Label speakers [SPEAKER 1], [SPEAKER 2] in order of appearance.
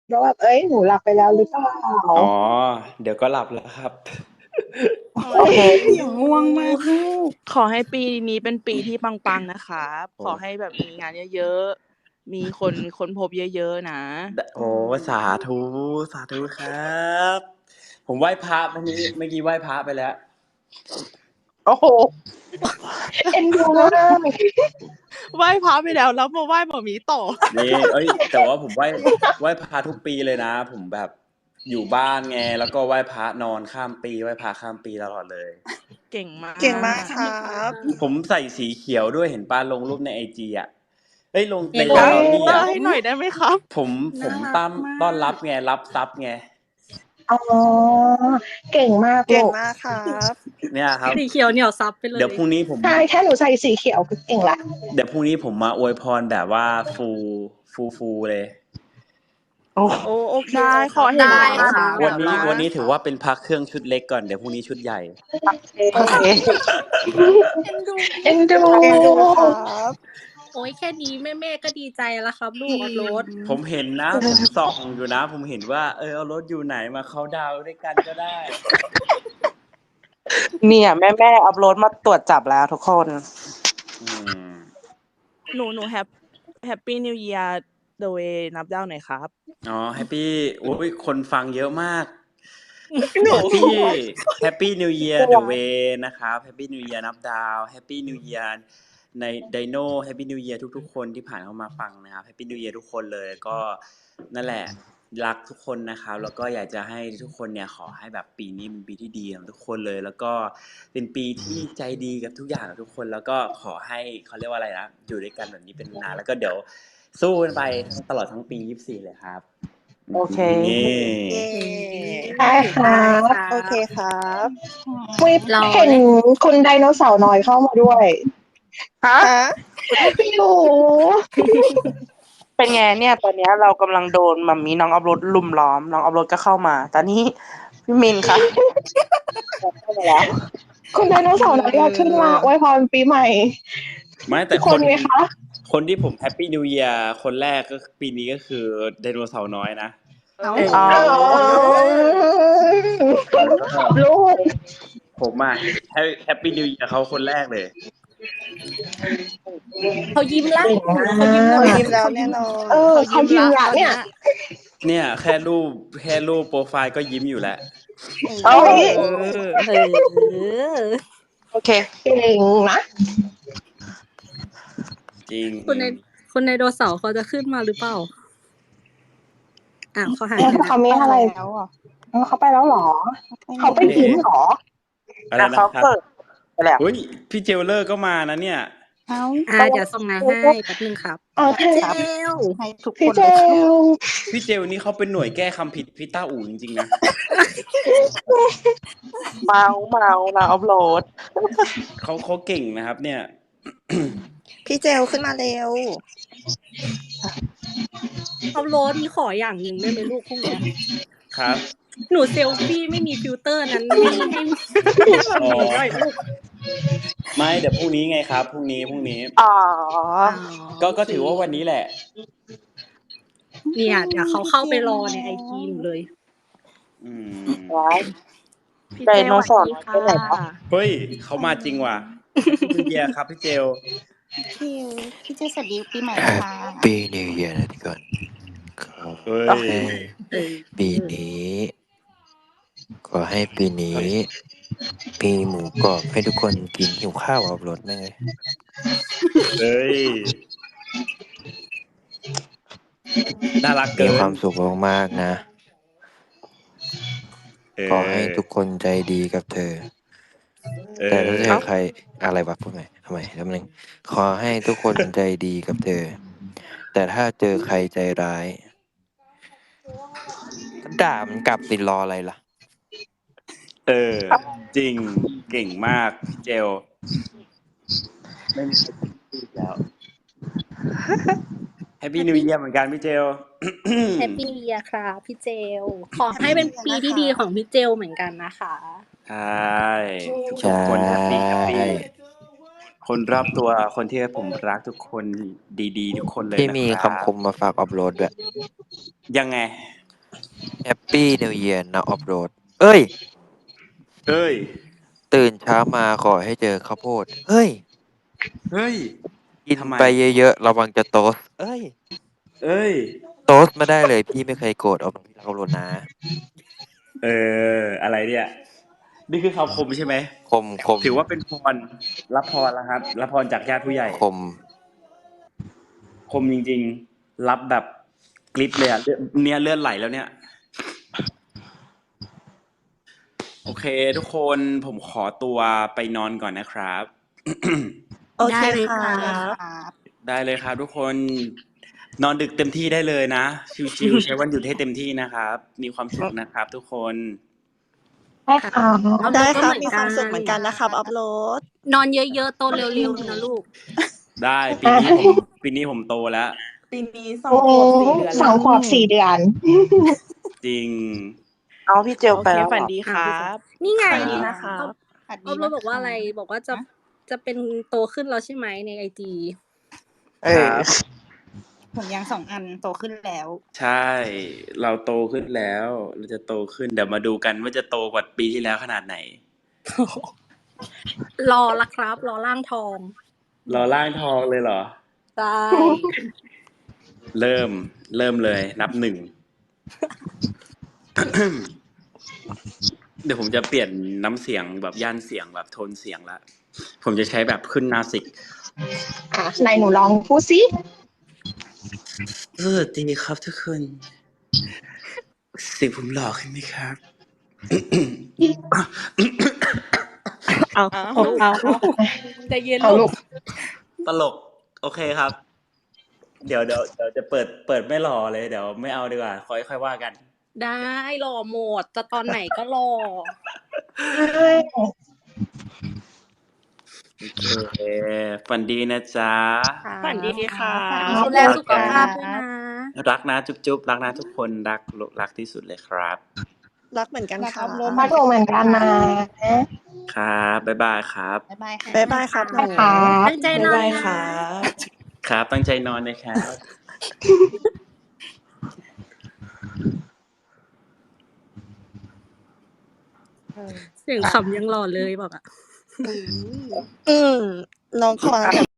[SPEAKER 1] แล้วแบบเอ้ยหนูหลับไปแล้วหรือเปล่า
[SPEAKER 2] อ๋อเดี๋ยวก็หลับแล้วครับ
[SPEAKER 3] โอเค
[SPEAKER 4] อย่างง่วงมากลูกขอให้ปีนี้เป็นปีที่ปังๆนะคะขอให้แบบมีงานเยอะๆมีคนค้นพบเยอะๆนะ
[SPEAKER 2] โอ้สาธุสาธุครับ ผมไหว้พระเมื่อกี้ไหว้พระไปแล้ว
[SPEAKER 3] โอ้โห
[SPEAKER 1] เอ็นดูมาก
[SPEAKER 4] ไหว้พระไปแล้วมาไหว้หมอหมีต่อ
[SPEAKER 2] นี่แต่ว่าผมไหว้พระทุกปีเลยนะ ผมแบบอยู่บ้านไงแล้วก็ไหว้พระนอนข้ามปีไหว้พระข้ามปีตลอดเลย
[SPEAKER 4] เก่งมาก
[SPEAKER 3] เก่งมากครับ
[SPEAKER 2] ผมใส่สีเขียวด้วยเห็นป้าลงรูปในไอจีอ่ะลงใน
[SPEAKER 4] โป
[SPEAKER 2] ส
[SPEAKER 4] ส
[SPEAKER 2] ตอรี่
[SPEAKER 4] เตอ
[SPEAKER 2] อ่ะ
[SPEAKER 4] ร์ให้หน่อยได้ไหมครับ
[SPEAKER 2] ผมต้อนรับไงรับทรัพย์ไง
[SPEAKER 1] อ๋อเก่งมาก
[SPEAKER 3] เก่ง
[SPEAKER 1] ลูก
[SPEAKER 3] มากครับ
[SPEAKER 2] เนี่ยครับ
[SPEAKER 5] สีเขียวเหนียวซับไปเลย
[SPEAKER 2] เดี๋ยวพรุ่งนี้ผม
[SPEAKER 1] ใช่แค่หนูใส่สีเขียวก็เก่งละ
[SPEAKER 2] เดี๋ยวพรุ่งนี้ผมมาอวยพรแบบว่าฟูเลย
[SPEAKER 3] โอ้
[SPEAKER 4] โอเคได้ขอเห็น
[SPEAKER 5] ได้
[SPEAKER 4] หน้า
[SPEAKER 5] ค่ะ
[SPEAKER 2] วันนี้ถือว่าเป็นพักเครื่องชุดเล็กก่อนเดี๋ยวพรุ่งนี้ชุดใหญ่
[SPEAKER 3] โอเค
[SPEAKER 1] เอ็นดู
[SPEAKER 3] เก่งดูครับ
[SPEAKER 5] โอ้ยแค่นี้แม่ก็ดีใจแล้วครับ ลูกอัพโหลด
[SPEAKER 2] ผมเห็นนะผมส่องอยู่นะ ผมเห็นว่าเอารถอยู่ไหนมาเขาดาวน์ด้วยกันก็ได้
[SPEAKER 3] เนี่ยแม่อัพโหลดมาตรวจจับแล้วทุกคน
[SPEAKER 2] อืม
[SPEAKER 4] หนูแฮปปี้นิวเยียร์เดอะเวย์นับดาวหน่อยครับ
[SPEAKER 2] อ๋อแฮปปี้โอ้ยคนฟังเยอะมาก
[SPEAKER 3] หนู
[SPEAKER 2] แฮปปี้นิวเยียร์เดอะเวย์นะครับแฮปปี้นิวเยียร์นับดาวแฮปปี้นิวเยียร์ในไดโน่แฮปปี้นิวเยียร์ทุกๆคนที่ผ่านเข้ามาฟังนะครับแฮปปี้นิวเยียร์ทุกคนเลยก็นั่นแหละรักทุกคนนะครับแล้วก็อยากจะให้ทุกคนเนี่ยขอให้แบบปีนี้เป็นปีที่ดีของทุกคนเลย แล้วก็เป็นปีที่ใจดีกับทุกอย่างกับทุกคน แล้วก็ขอให้เขาเรียกว่าอะไรนะอยู่ด้วยกันแบบนี้เป็นนานแล้วก็เดี๋ยวสู้กันไปตลอดทั้งปี24เลยครับ
[SPEAKER 3] โอเค
[SPEAKER 2] นี่
[SPEAKER 1] ได้ครับ
[SPEAKER 3] โอเคครับ
[SPEAKER 1] วิเห็นคุณไดโนเสาร์น้อยเข้ามาด้วย
[SPEAKER 3] ฮะ
[SPEAKER 1] พี่หนู
[SPEAKER 3] เป็นไงเนี่ยตอนเนี้ยเรากำลังโดนมัมมี่น้องอัพโหลดลุมล้อมน้องอัพโหลดก็เข้ามาตอนนี้พี่มินค่ะเข้ามาแล้ว
[SPEAKER 1] คุณไดโนเสาร์น้อยอยากขึ้นมาอวยพรปีใหม่
[SPEAKER 2] ไม่แต่
[SPEAKER 1] ทุกคนไหมคะ
[SPEAKER 2] คนที่ผมแฮปปี้นิวเยียร์คนแรกก็ปีนี้ก็คือไดโนเสาร์น้อยนะ
[SPEAKER 5] เอา
[SPEAKER 3] อ๋อ
[SPEAKER 1] ลูก
[SPEAKER 2] ผมอ่ะแฮปปี้นิวเยียร์เขาคนแรกเลย
[SPEAKER 5] เขายิ้มละ
[SPEAKER 1] เก่งมาก
[SPEAKER 3] เขายิ้มแล้วแน่นอน
[SPEAKER 1] เขายิ้มละเนี่ย
[SPEAKER 2] เนี่ยแค่รูปโปรไฟล์ก็ยิ้มอยู่แล้ว
[SPEAKER 3] เอ้ย
[SPEAKER 5] เออ
[SPEAKER 3] โอเค
[SPEAKER 1] เก่งนะ
[SPEAKER 2] จริง
[SPEAKER 5] คุณไดโนเสาร์เขาจะขึ้นมาหรือเปล่าเขาหายไปแล้ว
[SPEAKER 1] เขาไม่อะไรเขาไปแล้วเหรอ เขาไปยิ้มเหรอ
[SPEAKER 2] อะไรนะ
[SPEAKER 3] เขา
[SPEAKER 2] ครับ
[SPEAKER 3] เปิดไปแล้ว
[SPEAKER 2] เฮ้ยพี่เจลเลอร์ก็มานะเนี่ย
[SPEAKER 5] เดี๋ยวส่งงานให้แป๊บนึงครับ
[SPEAKER 1] โอเค
[SPEAKER 3] ให้ทุกค
[SPEAKER 1] พี่
[SPEAKER 3] น
[SPEAKER 1] เจ
[SPEAKER 3] เลยค่ะ
[SPEAKER 1] ล
[SPEAKER 2] พี่เจลนี่เขาเป็นหน่วยแก้คำผิดพี่ต้าอู่จริงๆนะ
[SPEAKER 3] เมาเราอัพโหลด
[SPEAKER 2] เขาเก่งนะครับ เนี่ย
[SPEAKER 3] พี่เจลขึ้นมาเร็ว
[SPEAKER 5] อัพโหลดมีขออย่างหนึ่งได้ไหมลูกพวกเนี้ย
[SPEAKER 2] ครับ
[SPEAKER 5] หนูเซลฟี่ไม่มีฟิลเตอร์นั้นให้
[SPEAKER 2] อ๋อ
[SPEAKER 5] หน่อยลูก
[SPEAKER 2] ไม่เดี๋ยวพรุ่งนี้ไงครับพรุ่งนี้
[SPEAKER 3] อ๋อ
[SPEAKER 2] ก็ถือว่าวันนี้แหละ
[SPEAKER 5] เนี่ยเดี๋ยวเขาเข้าไปรอในไอจีหนูเลย
[SPEAKER 2] อืม
[SPEAKER 3] ว้าย
[SPEAKER 4] พี่
[SPEAKER 3] ได
[SPEAKER 4] เจ
[SPEAKER 3] โนเสาร์
[SPEAKER 4] สวัสดี
[SPEAKER 3] ไปไหนวะ
[SPEAKER 4] ค่ะ
[SPEAKER 2] เฮ้ยเขามาจริงว่ะพี่เยียครับพี่เจล
[SPEAKER 6] พี่เจสวัสดีปีใหม่นะคะ
[SPEAKER 7] ปีนิวเยียร์นะทุกคนขอ
[SPEAKER 2] เฮ้ย
[SPEAKER 7] ให้ปีนี้ขอให้ปีนี้มีหมูกรอบให้ทุกคนกินหิวข้าวอัพโหลดแน่เลย
[SPEAKER 2] เฮ้ยน่ารัก
[SPEAKER 7] มี
[SPEAKER 2] เกิน
[SPEAKER 7] ความสุขมากๆนะ ขอให้ทุกคนใจดีกับเธอ แต่ถ้าเธอใครอะไรวะพูดใหม่ทำไมแล้วนึงขอให้ทุกคนใจดีกับเธอ แต่ถ้าเจอใครใจร้ายก็ด่ามันกลับติดรออะไรล่ะ
[SPEAKER 2] จริงเก่งมากพี่เจลไม่มีใครพูดแล้วแฮปปี้นิวเยียร์เหมือนกันพี่เจล
[SPEAKER 5] แฮปปี้นิวเยียร์ครับพี่เจล ขอให้เป็นปีที่ดีของพี่เจลเหมือนกันนะคะ
[SPEAKER 2] ใช่ทุกคนแฮปปี้คนรอบตัวคนที่ผมรักทุกคนดีๆทุกคนเลย
[SPEAKER 7] ที่
[SPEAKER 2] นะ
[SPEAKER 7] มี
[SPEAKER 2] ครับ
[SPEAKER 7] คำคมมาฝากอัพโหลดด้วย
[SPEAKER 2] ยังไง
[SPEAKER 7] Happy New Year นะออฟโรดเอ้ย
[SPEAKER 2] เอ้ย
[SPEAKER 7] ตื่นเช้ามาขอให้เจอข้าวโพดเฮ้ย
[SPEAKER 2] เฮ้ย
[SPEAKER 7] กิน
[SPEAKER 2] ทำไม
[SPEAKER 7] ไปเยอะๆระวังจะโตสเอ้ย
[SPEAKER 2] เอ้ย
[SPEAKER 7] โตสไม่ได้เลยพี่ไม่เคยโกรธเอาพี่รักเอาโรนะ
[SPEAKER 2] อะไรเนี่ย นี่คือคำคมใช่ไหม
[SPEAKER 7] คม
[SPEAKER 2] ถือว่าเป็นพร รับพรแล้วครับ รับพรจากญาติผู้ใหญ่ คมจริงๆ รับแบบกริปเลยอ่ะเลือดไหลแล้วเนี่ย โอเค ทุกคนผมขอตัวไปนอนก่อนนะครับ
[SPEAKER 6] โอเค
[SPEAKER 5] ได้เลย
[SPEAKER 6] ค่ะ
[SPEAKER 5] ค่ะ
[SPEAKER 2] ได้เลยครับทุกคนนอนดึกเต็มที่ได้เลยนะ ชิวๆใช้วันหยุดให้เต็มที่นะครับ มีความสุขนะครับ ทุกคน
[SPEAKER 1] ได้ค่ะ
[SPEAKER 6] ได้ครับมีความสุขเหมือนกันนะครับอัพโหลด
[SPEAKER 5] นอนเยอะๆโตเร็วๆนะลูก
[SPEAKER 2] ได้ปีนี้ผมโตแล้ว
[SPEAKER 4] ปีนี้
[SPEAKER 1] โอ้2 ขวบ 4 เดือน
[SPEAKER 2] จริง
[SPEAKER 3] เอาพี่เจล
[SPEAKER 4] โอ
[SPEAKER 3] ไป
[SPEAKER 4] เค
[SPEAKER 3] แล้วเหร
[SPEAKER 4] ฝัน
[SPEAKER 3] อ
[SPEAKER 4] ดีครับ
[SPEAKER 5] นี่ไง
[SPEAKER 6] ฝันดีนะคะ
[SPEAKER 5] ออฟโรดบอกว่าอะไร บอกว่าจะเป็นโตขึ้นแล้วใช่ไหมในไอจี
[SPEAKER 2] ครับ
[SPEAKER 6] ผมยัง2 อันโตขึ้นแล้ว
[SPEAKER 2] ใช่ เราโตขึ้นแล้ว เราจะโตขึ้นเดี๋ยวมาดูกันว่าจะโตกว่าปีที่แล้วขนาดไหน
[SPEAKER 5] รอละครับ รอร่างทอง
[SPEAKER 2] รอร่างทองเลยเหรอ
[SPEAKER 5] ใช่
[SPEAKER 2] เริ่มเลยนับ 1 เดี๋ยวผมจะเปลี่ยนน้ำเสียงแบบย่านเสียงแบบโทนเสียงละผมจะใช้แบบขึ้นนาสิก
[SPEAKER 1] ไหนหนูลองพูดสิ
[SPEAKER 2] สวัสดีครับทุกคนสิผมหล่อขึ้นไหมครับ
[SPEAKER 4] เอาใจเย็น
[SPEAKER 1] เอา
[SPEAKER 4] ลู
[SPEAKER 1] ลู
[SPEAKER 4] ก
[SPEAKER 1] ก
[SPEAKER 2] ตลก โอเคครับ เดี๋ยวจะเปิดไม่หล่อเลย เดี๋ยวไม่เอาดีกว่าค่อยว่ากัน
[SPEAKER 5] ได้รอหมด จะตอนไหนก็รอ
[SPEAKER 2] โอเคฝันดีนะจ๊ะ
[SPEAKER 4] ฝันดีค่ะ
[SPEAKER 5] ดูแลสุขภาพด้วยนะ
[SPEAKER 2] รักนะจุ๊บรักนะทุกคนรักที่สุดเลยครับ
[SPEAKER 6] รักเหมือนกันค่ะ
[SPEAKER 1] มาดูเหมือนกันนะ
[SPEAKER 2] ครับบ๊ายบายครับ
[SPEAKER 6] บ๊ายบายค่ะ
[SPEAKER 5] บ๊ายบายครับ
[SPEAKER 1] ได้ค่ะ
[SPEAKER 5] ตั้งใจนอน
[SPEAKER 4] บ๊ายบาย
[SPEAKER 5] นะ
[SPEAKER 4] ค่ะ
[SPEAKER 2] ครับตั้งใจนอนนะครับ
[SPEAKER 5] เสียงขำยังหล่อเลยบอกอ่ะ
[SPEAKER 6] น้องขอ